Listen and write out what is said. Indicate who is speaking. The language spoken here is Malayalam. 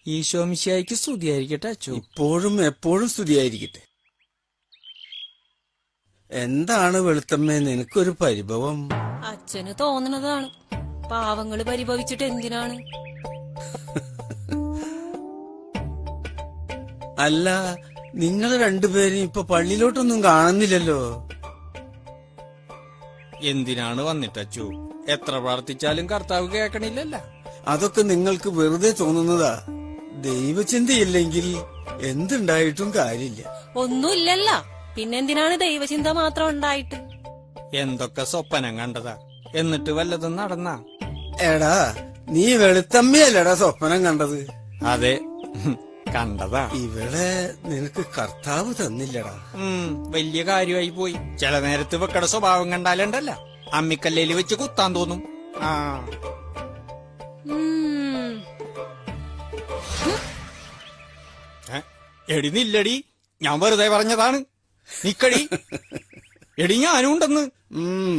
Speaker 1: ഈശോ മിശിഹായ്ക്ക് സ്തുതിയായിരിക്കട്ടെ അച്ചു.
Speaker 2: ഇപ്പോഴും എപ്പോഴും സ്തുതിയായിരിക്കട്ടെ. എന്താണ് വെളുത്തമ്മേ നിനക്കൊരു പരിഭവം?
Speaker 3: അച്ഛന് തോന്നണതാണ്. പാവങ്ങള് പരിഭവിച്ചിട്ട് എന്തിനാണ്?
Speaker 2: അല്ല, നിങ്ങൾ രണ്ടുപേരും ഇപ്പൊ പള്ളിയിലോട്ടൊന്നും കാണുന്നില്ലല്ലോ.
Speaker 1: എന്തിനാണ് വന്നിട്ടച്ചു? എത്ര പ്രാർത്ഥിച്ചാലും കർത്താവ് കേൾക്കണില്ലല്ല.
Speaker 2: അതൊക്കെ നിങ്ങൾക്ക് വെറുതെ തോന്നുന്നതാ. ദൈവചിന്തയില്ലെങ്കിൽ എന്തുണ്ടായിട്ടും കാര്യമില്ല.
Speaker 3: ഒന്നുമില്ലല്ല, പിന്നെന്തിനാണ് ദൈവചിന്ത മാത്രം ഉണ്ടായിട്ട്?
Speaker 1: എന്തൊക്കെ സ്വപ്നം കണ്ടതാ, എന്നിട്ട് വല്ലതും നടന്നാ?
Speaker 2: എടാ, നീ വെളുത്തമ്മയല്ലടാ സ്വപ്നം കണ്ടത്.
Speaker 1: അതെ, കണ്ടതാ.
Speaker 2: ഇവിടെ നിനക്ക് കർത്താവ് തന്നില്ലടാ.
Speaker 1: വലിയ കാര്യമായി പോയി. ചില നേരത്ത് വെക്കട സ്വഭാവം കണ്ടാലുണ്ടല്ല, അമ്മിക്കല്ലേല് വെച്ച് കുത്താൻ തോന്നും. ആ എടി നില്ലടി, ഞാൻ വെറുതെ പറഞ്ഞതാണ്. നിക്കടി എടി, ഞാനും ഉണ്ടെന്ന്.